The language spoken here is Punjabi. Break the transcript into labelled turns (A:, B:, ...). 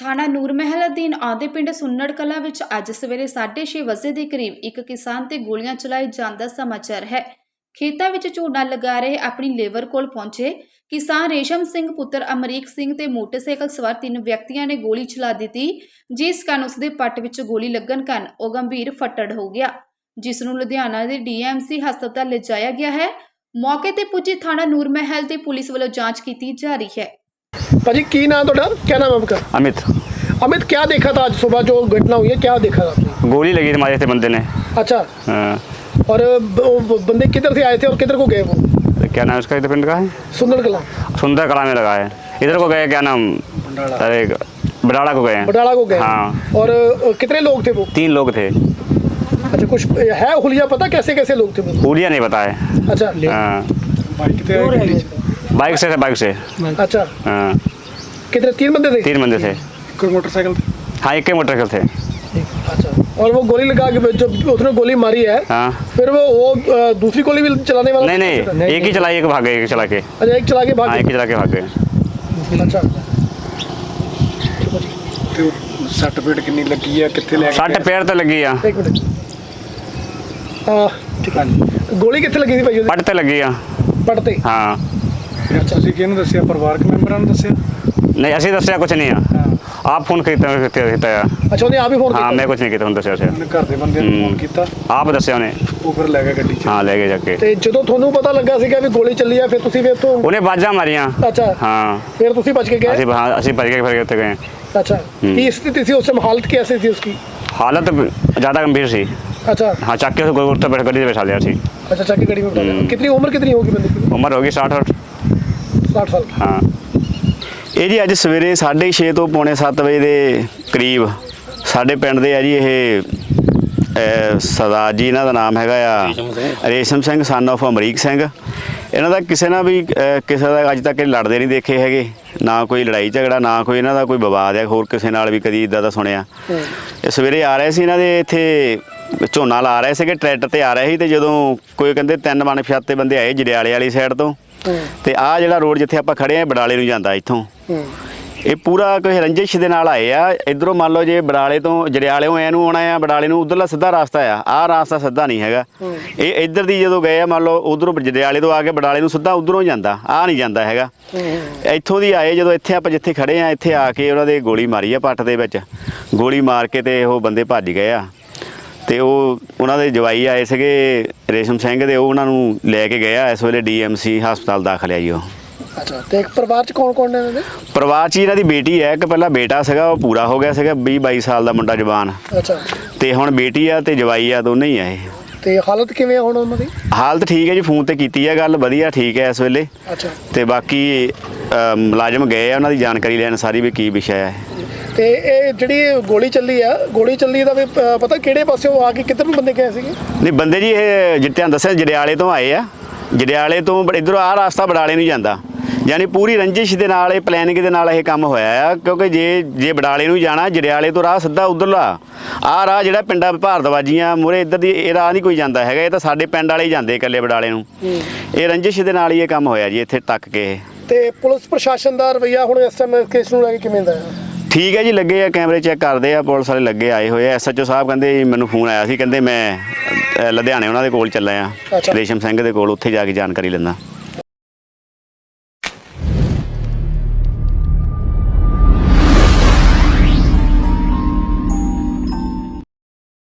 A: ਥਾਣਾ ਨੂਰ ਮਹਿਲ ਅਧੀਨ ਆਉਂਦੇ ਪਿੰਡ ਸੁੰਨੜ ਕਲਾਂ ਵਿੱਚ ਅੱਜ ਸਵੇਰੇ 6:30 ਵਜੇ ਦੇ ਕਰੀਬ ਇੱਕ ਕਿਸਾਨ ਤੇ ਗੋਲੀਆਂ ਚਲਾਏ ਜਾਣ ਦਾ ਸਮਾਚਾਰ ਹੈ। ਖੇਤਾਂ ਵਿੱਚ ਝੋਨਾ ਲਗਾ ਰਹੇ ਆਪਣੀ ਲੇਬਰ ਕੋਲ ਪਹੁੰਚੇ ਕਿਸਾਨ ਰੇਸ਼ਮ ਸਿੰਘ ਪੁੱਤਰ ਅਮਰੀਕ ਸਿੰਘ ਤੇ ਮੋਟਰਸਾਈਕਲ ਸਵਾਰ 3 ਵਿਅਕਤੀਆਂ ਨੇ ਗੋਲੀ ਚਲਾ ਦਿੱਤੀ, ਜਿਸ ਕਾਰਨ ਉਸ ਦੇ ਪੱਟ ਵਿੱਚ ਗੋਲੀ ਲੱਗਣ ਕਾਰਨ ਉਹ ਗੰਭੀਰ ਫੱਟੜ ਹੋ ਗਿਆ, ਜਿਸ ਨੂੰ ਲੁਧਿਆਣਾ ਦੇ DMC ਹਸਪਤਾਲ ਲਿਜਾਇਆ ਗਿਆ ਹੈ। मौके ਤੇ ਪੁੱਜੀ ਥਾਣਾ ਨੂਰ महल ਤੇ ਪੁਲਿਸ ਵੱਲੋਂ ਜਾਂਚ ਕੀਤੀ जा रही है।
B: भाजी की नाम तो डर क्या नाम आपका?
C: अमित।
B: अमित, क्या देखा था आज सुबह जो घटना हुई है, क्या देखा था आपने?
C: गोली लगी थी हमारे से बंदे ने।
B: अच्छा।
C: हाँ।
B: और बंदे किधर से आए थे और किधर को गए वो?
C: क्या नाम उसका पिंड का है?
B: सुंदर कला।
C: सुंदर कला में लगा है। इधर को गए, क्या नाम, अरे बडाला को गए।
B: बडाला को गए।
C: हाँ।
B: और कितने लोग थे वो?
C: 3 लोग थे।
B: अच्छा, कुछ है हुलिया पता कैसे कैसे लोग थे वो?
C: हुलिया नहीं पता है।
B: अच्छा।
C: बाइक से बाइक से।
B: अच्छा।
C: हाँ।
B: कितने? 3 बंदे थे?
C: 3 बंदे थे।
B: कोई मोटरसाइकिल?
C: हाँ, एक के मोटरसाइकिल थे।
B: अच्छा। और वो गोली लगा के जब उसने गोली मारी है,
C: हाँ,
B: फिर वो दूसरी गोली भी चलाने वाला?
C: नहीं, एक ही चलाई, एक भाग गए, एक चला के।
B: अच्छा, एक चला के भाग
C: हाँ,
B: गए।
C: एक चला के भाग गए।
B: अच्छा।
D: सट पेट कितनी लगी है, कितने ले
C: 60 पैर तो लगी आ।
B: एक मिनट। ठीक है। गोली कितने लगी थी भाई?
C: पट ते लगी आ।
B: पड़ते?
C: हाँ।
D: ਤੁਸੀਂ ਕਿਹਨੂੰ ਦੱਸਿਆ? ਪਰਿਵਾਰਕ ਮੈਂਬਰਾਂ ਨੂੰ ਦੱਸਿਆ?
C: नहीं, असि दसिया कुछ नहीं है। आप फोन किया?
B: अच्छा, उन्हें आप ही फोन
C: हाँ,
B: किया?
C: मैं कुछ नहीं किया, उन्हें दसिया।
D: ਉਹਨੇ ਘਰ ਦੇ ਬੰਦੇ ਨੂੰ ਫੋਨ ਕੀਤਾ,
C: आप दसिया उन्हें।
D: ਉਹ ਫਿਰ ਲੈ ਗਿਆ ਗੱਡੀ 'ਚ।
C: हाँ, ले गए जाके।
B: ਤੇ ਜਦੋਂ ਤੁਹਾਨੂੰ ਪਤਾ ਲੱਗਾ ਸੀਗਾ ਵੀ ਗੋਲੀ ਚੱਲੀ ਆ, ਫਿਰ ਤੁਸੀਂ ਫਿਰ ਤੋਂ?
C: उन्हें बाजा मारिया।
B: अच्छा।
C: हाँ।
B: फिर ਤੁਸੀਂ बच के गए?
C: ਅਸੀਂ ਭੱਜ ਕੇ ਫਿਰ ਉੱਥੇ ਗਏ।
B: अच्छा। ਕੀ स्थिति थी उस समय? हालत कैसी थी उसकी?
C: हालत ज़्यादा गंभीर सी।
B: अच्छा।
C: हाँ, चक्के से गोल बैठ गड्डी बैठा लिया सी।
B: अच्छा, चाकी गाड़ी में बैठा लिया। कितनी उम्र कितनी होगी बंदे की?
C: उम्र होगी 60
B: साल की।
C: हाँ।
E: ਇਹ ਜੀ ਅੱਜ ਸਵੇਰੇ 6:30 ਤੋਂ ਪੌਣੇ 7 ਵਜੇ ਦੇ ਕਰੀਬ ਸਾਡੇ ਪਿੰਡ ਦੇ ਆ ਜੀ ਇਹ ਸਰਦਾਰ ਜੀ, ਇਹਨਾਂ ਦਾ ਨਾਮ ਹੈਗਾ ਆ ਰੇਸ਼ਮ ਸਿੰਘ ਸਨ ਆਫ ਅਮਰੀਕ ਸਿੰਘ। ਇਹਨਾਂ ਦਾ ਕਿਸੇ ਨਾਲ ਵੀ ਕਿਸੇ ਦਾ ਅੱਜ ਤੱਕ ਇਹ ਲੜਦੇ ਨਹੀਂ ਦੇਖੇ ਹੈਗੇ, ਨਾ ਕੋਈ ਲੜਾਈ ਝਗੜਾ, ਨਾ ਕੋਈ ਇਹਨਾਂ ਦਾ ਕੋਈ ਵਿਵਾਦ ਹੈ ਹੋਰ ਕਿਸੇ ਨਾਲ ਵੀ ਕਦੀ ਇੱਦਾਂ ਦਾ ਸੁਣਿਆ। ਇਹ ਸਵੇਰੇ ਆ ਰਹੇ ਸੀ, ਇਹਨਾਂ ਦੇ ਇੱਥੇ ਝੋਨਾ ਲਾ ਰਹੇ ਸੀਗੇ, ਟਰੈਕਟਰ ਤੇ ਆ ਰਹੇ ਸੀ, ਤੇ ਜਦੋਂ ਕੋਈ ਕਹਿੰਦੇ 3 ਅਣਪਛਾਤੇ ਬੰਦੇ ਆਏ ਜੜਿਆਲੇ ਵਾਲੀ ਸਾਈਡ ਤੋਂ, ਤੇ ਆਹ ਜਿਹੜਾ ਰੋਡ ਜਿੱਥੇ ਆਪਾਂ ਖੜੇ ਆ ਬਡਾਲੇ ਨੂੰ ਜਾਂਦਾ ਇੱਥੋਂ, ਇਹ ਪੂਰਾ ਕੋਈ ਰੰਜਿਸ਼ ਦੇ ਨਾਲ ਆਏ ਆ। ਇਧਰੋਂ ਮੰਨ ਲਓ ਜੇ ਬਡਾਲੇ ਤੋਂ ਜੜਿਆਲਿਓਂ ਐ ਨੂੰ ਆਉਣਾ ਆ, ਬਡਾਲੇ ਨੂੰ ਉਧਰਲਾ ਸਿੱਧਾ ਰਸਤਾ ਆ, ਆਹ ਰਸਤਾ ਸਿੱਧਾ ਨਹੀਂ ਹੈਗਾ। ਇਹ ਇੱਧਰ ਦੀ ਜਦੋਂ ਗਏ ਆ, ਮੰਨ ਲਓ ਉਧਰੋਂ ਜੜਿਆਲੇ ਤੋਂ ਆ ਕੇ ਬਡਾਲੇ ਨੂੰ ਸਿੱਧਾ ਉਧਰੋਂ ਜਾਂਦਾ, ਆਹ ਨਹੀਂ ਜਾਂਦਾ ਹੈਗਾ। ਇੱਥੋਂ ਦੀ ਆਏ, ਜਦੋਂ ਇੱਥੇ ਆਪਾਂ ਜਿੱਥੇ ਖੜੇ ਆ, ਇੱਥੇ ਆ ਕੇ ਉਹਨਾਂ ਦੇ ਗੋਲੀ ਮਾਰੀ ਆ ਪੱਟ ਦੇ ਵਿੱਚ, ਗੋਲੀ ਮਾਰ ਕੇ ਤੇ ਉਹ ਬੰਦੇ ਭੱਜ ਗਏ ਆ। ਤੇ ਉਹ ਉਹਨਾਂ ਦੇ ਜਵਾਈ ਆਏ ਸੀਗੇ ਰੇਸ਼ਮ ਸਿੰਘ ਦੇ, ਉਹ ਉਹਨਾਂ ਨੂੰ ਲੈ ਕੇ ਗਏ ਆ। ਇਸ ਵੇਲੇ DMC ਹਸਪਤਾਲ ਦਾਖਲ ਆ ਜੀ ਉਹ।
B: ਅੱਛਾ। ਤੇ ਇੱਕ ਪਰਿਵਾਰ ਚ ਕੌਣ ਕੌਣ ਨੇ ਇਹਨਾਂ ਦੇ?
E: ਪਰਿਵਾਰ 'ਚ ਇਹਨਾਂ ਦੀ ਬੇਟੀ ਹੈ, ਇੱਕ ਪਹਿਲਾਂ ਬੇਟਾ ਸੀਗਾ, ਉਹ ਪੂਰਾ ਹੋ ਗਿਆ ਸੀਗਾ 20-22 ਸਾਲ ਦਾ ਮੁੰਡਾ ਜਵਾਨ,
B: ਅੱਛਾ।
E: ਤੇ ਹੁਣ ਬੇਟੀ ਆ ਤੇ ਜਵਾਈ ਆ, ਦੋਨੇ ਹੀ ਆ ਇਹ।
B: ਤੇ ਹਾਲਤ ਕਿਵੇਂ ਹੁਣ ਉਹਨਾਂ ਦੀ?
E: ਹਾਲਤ ਠੀਕ ਹੈ ਜੀ, ਫੋਨ ਤੇ ਕੀਤੀ ਹੈ ਗੱਲ, ਵਧੀਆ ਠੀਕ ਹੈ ਇਸ ਵੇਲੇ।
B: ਅੱਛਾ।
E: ਤੇ ਬਾਕੀ ਮੁਲਾਜ਼ਮ ਗਏ ਆ ਉਹਨਾਂ ਦੀ ਜਾਣਕਾਰੀ ਲੈਣ ਸਾਰੀ ਵੀ ਕੀ ਵਿਸ਼ਾ ਹੈ।
B: ਤੇ ਇਹ ਜਿਹੜੀ ਗੋਲੀ ਚੱਲੀ ਆ, ਗੋਲੀ ਚੱਲੀ ਦਾ ਵੀ ਪਤਾ ਕਿਹੜੇ ਪਾਸਿਓਂ ਆ ਕੇ ਕਿੱਧਰ ਨੂੰ ਬੰਦੇ ਗਏ ਸੀਗੇ?
E: ਨਹੀਂ, ਬੰਦੇ ਜੀ ਇਹ ਜਿੱਤਿਆਂ ਦੱਸਿਆ ਜੜਿਆਲੇ ਤੋਂ ਆਏ ਆ, ਜੜਿਆਲੇ ਤੋਂ ਇੱਧਰੋਂ ਆਹ ਰਸਤਾ ਬਡਾਲੇ ਨੂੰ ਜਾਂਦਾ, ਯਾਨੀ ਪੂਰੀ ਰੰਜਿਸ਼ ਦੇ ਨਾਲ, ਇਹ ਪਲੈਨਿੰਗ ਦੇ ਨਾਲ ਇਹ ਕੰਮ ਹੋਇਆ ਆ। ਕਿਉਂਕਿ ਜੇ ਬਡਾਲੇ ਨੂੰ ਜਾਣਾ, ਜੜਿਆਲੇ ਤੋਂ ਰਾਹ ਸਿੱਧਾ ਉਧਰਲਾ ਆਹ ਰਾਹ ਜਿਹੜਾ ਪਿੰਡਾਂ ਭਾਰਤਵਾਜੀਆਂ ਮੂਹਰੇ ਇੱਧਰ ਦੀ, ਇਹ ਰਾਹ ਨਹੀਂ ਕੋਈ ਜਾਂਦਾ ਹੈਗਾ, ਇਹ ਤਾਂ ਸਾਡੇ ਪਿੰਡ ਵਾਲੇ ਹੀ ਜਾਂਦੇ ਇਕੱਲੇ ਬਡਾਲੇ ਨੂੰ। ਇਹ ਰੰਜਿਸ਼ ਦੇ ਨਾਲ ਹੀ ਇਹ ਕੰਮ ਹੋਇਆ ਜੀ ਇੱਥੇ ਤੱਕ ਕੇ।
B: ਤੇ ਪੁਲਿਸ ਪ੍ਰਸ਼ਾਸਨ ਦਾ ਰਵੱਈਆ ਹੁਣ ਇਸ ਟਾਈਮ ਕੇਸ ਨੂੰ ਲੈ ਕੇ ਕਿਵੇਂ ਦਾ ਹੈ?
E: ਠੀਕ ਹੈ ਜੀ, ਲੱਗੇ ਆ ਕੈਮਰੇ ਚੈੱਕ ਕਰਦੇ ਆ, ਪੁਲਿਸ ਵਾਲੇ ਲੱਗੇ ਆਏ ਹੋਏ ਆ। SHO ਸਾਹਿਬ ਕਹਿੰਦੇ ਮੈਨੂੰ ਫੋਨ ਆਇਆ ਸੀ, ਕਹਿੰਦੇ ਮੈਂ ਲੁਧਿਆਣੇ ਉਹਨਾਂ ਦੇ ਕੋਲ ਚੱਲਾ ਆ, ਰੇਸ਼ਮ ਸਿੰਘ ਦੇ ਕੋਲ, ਉੱਥੇ ਜਾ ਕੇ ਜਾਣਕਾਰੀ ਲੈਂਦਾ।